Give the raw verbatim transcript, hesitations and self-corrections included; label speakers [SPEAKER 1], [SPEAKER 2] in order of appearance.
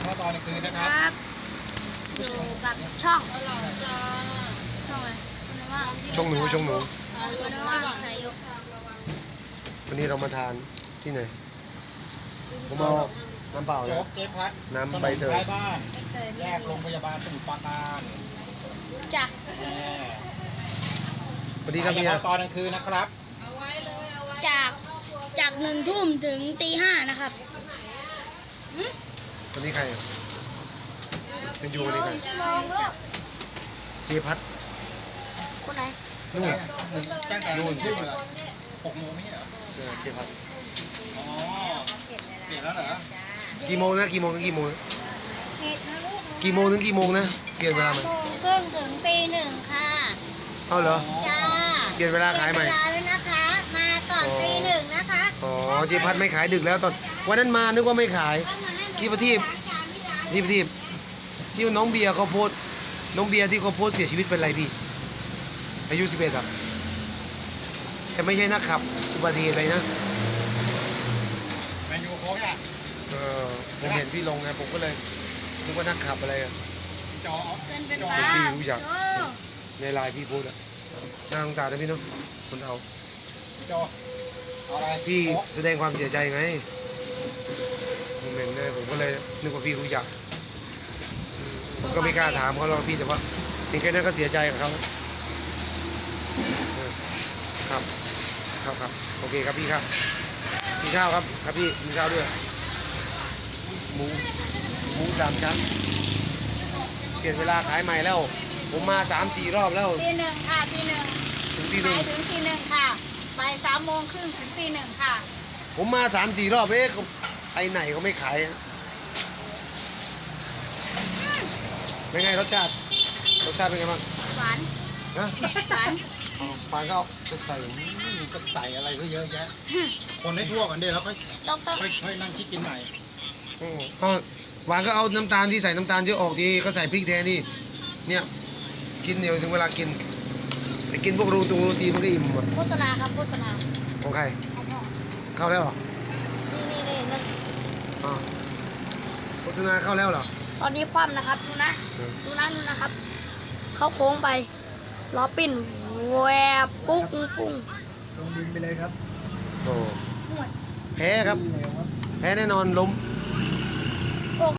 [SPEAKER 1] เข้าตอนกลางคืนนะครับ
[SPEAKER 2] ครับอยู่กับช่องช่องอะไรคุณว่า
[SPEAKER 3] ช่องหนูช่องหนู
[SPEAKER 2] คุณว่าสายยก
[SPEAKER 3] วันนี้เรามาทานที่ไหนผมเอาน้ำเปล่า
[SPEAKER 1] โจ๊
[SPEAKER 3] นะ
[SPEAKER 1] กเจ๊พัด
[SPEAKER 3] น้ำใบเตย
[SPEAKER 1] ขนมท้ายบ้านแยกโรงพยาบาลสมุทรปราการ
[SPEAKER 2] จัก
[SPEAKER 1] แน่
[SPEAKER 3] สวัสดีครับ
[SPEAKER 1] ขาย
[SPEAKER 3] เมีย
[SPEAKER 1] เฉพาะตอนกลางคืนนะครับ
[SPEAKER 2] จากจากหนึ่งทุ่มถึงตีห้านะครับ
[SPEAKER 3] วันนี้ใครอ่ะเป็นยูวันนี้ใคร
[SPEAKER 2] จาก
[SPEAKER 3] เจพัด
[SPEAKER 2] คนไหน
[SPEAKER 3] นู่น
[SPEAKER 1] ตั้งแต่
[SPEAKER 3] นู่
[SPEAKER 1] นู่
[SPEAKER 3] น
[SPEAKER 1] นทุ่มเหรอหกโมงไม่ใช่เหรอ
[SPEAKER 3] เออเจพัด
[SPEAKER 1] อ๋อเปลี่ยนแล้วเหรอ
[SPEAKER 3] กี่โมงนะกี่โมงถึงกี่โมงนะ
[SPEAKER 2] เหตุนะลูก
[SPEAKER 3] กี่โมงถึงกี่โมงนะเปลี่ยนเวลาไหม
[SPEAKER 2] โมงครึ่งถึงตีหนึ่งค่ะ
[SPEAKER 3] เอาเหรอ
[SPEAKER 2] จ้า
[SPEAKER 3] เปลี่ยนเวลาขายใหม่
[SPEAKER 2] เปลี่นเวลาแล้วนะคะ มาก่อน
[SPEAKER 3] อ๋อ
[SPEAKER 2] ตีหนึ่งนะคะ
[SPEAKER 3] อ๋อเจพัดไม่ขายดึกแล้วตอนวันนั้นมานึกว่าไม่ขาย ที่ประทีป นี่พี่ที่น้องเบียร์เขาโพสต์น้องเบียร์ที่เขาโพสต์เสียชีวิตเป็นไรพี่อายุสิบเอ็ดครับแต่ไม่ใช่นักขับอุบัติเหตุอะไรนะ
[SPEAKER 1] แมนยูโค้ชอ่ะ
[SPEAKER 3] เออผมเห็นพี่ลงไงผมก็เลยนึกว่านักขับอะไรอะ
[SPEAKER 1] จอ
[SPEAKER 2] เกินเป็น
[SPEAKER 1] จอ
[SPEAKER 2] บ้า
[SPEAKER 3] พี่รู้จัก
[SPEAKER 2] โอ้
[SPEAKER 3] ในไลน์พี่โพสต์อะน่าสงสารนะพี่เนาะคนเอา
[SPEAKER 1] จอเอาอะไร
[SPEAKER 3] พี่
[SPEAKER 1] โค้ก
[SPEAKER 3] แสดงความเสียใจไงผมเห็นเลยผมก็เลยนึกว่าพี่รู้จักอืมผมก็ไม่กล้าถามเขาหรอกพี่แต่ว่าเพียงแค่นั้นก็เสียใจกับเขาเออครับครับครับโอเคครับพี่ครับกินข้าวครับครับพี่กินข้าวด้วยหมูหมูสามชั้นเปลี่ยนเวลาขายใหม่แล้ว ผมมาสามสี่รอบแล้ว
[SPEAKER 2] ตีหนึ่งค่ะตีหนึ่ง
[SPEAKER 3] ถึงที่หนึ่
[SPEAKER 2] ไป
[SPEAKER 3] ง
[SPEAKER 2] ถึงตีหนึ่งค่ะไปสามโมงครึ่งถึงตีหนึ่งค่ะ
[SPEAKER 3] ผมมาสามสี่รอบเอ๊ะเขาไปไหนเขาไม่ขายอะเป็นไงรสชาติรสชาติเป็นไงบ้าง
[SPEAKER 2] หวาน
[SPEAKER 3] นะ
[SPEAKER 2] หวาน
[SPEAKER 3] เอาปานก็เอาจะใส่
[SPEAKER 1] อืมจะใส่อะไรก็เยอะแยะ คนให้ทั่วกันเดี๋ยวแล้วค่อย
[SPEAKER 2] ดอกเตอร
[SPEAKER 1] ค่อยค่อยนั่งคิดกินใหม่
[SPEAKER 3] อืมเอาหวานก็เอาน้ำตาลที่ใส่น้ำตาลเยอะออกดีก็ใส่พริกแทนนี่เนี่ยกินเดี๋ยวถึงเวลากินไปกินพวกรูตูรูตีมันก็อิ่มหมด
[SPEAKER 2] โฆษณาครับโฆษณา
[SPEAKER 3] ของใคร
[SPEAKER 2] ของพ่อ
[SPEAKER 3] เข้าแล้วเหรอ
[SPEAKER 2] นี่นี่นี่
[SPEAKER 3] อ่าโฆษณาเข้าแล้วเหรอ
[SPEAKER 2] ตอนนี้คว่ำนะครับดูนะ
[SPEAKER 3] เออ
[SPEAKER 2] ดูนะดูนะครับ เข้าโค้งไปล้อปิ้นแวบปุ๊งปุ้ง
[SPEAKER 1] ลงดินไปเลยครับ
[SPEAKER 3] โอ้แพ้ครับ แพ้แน่นอนล้ม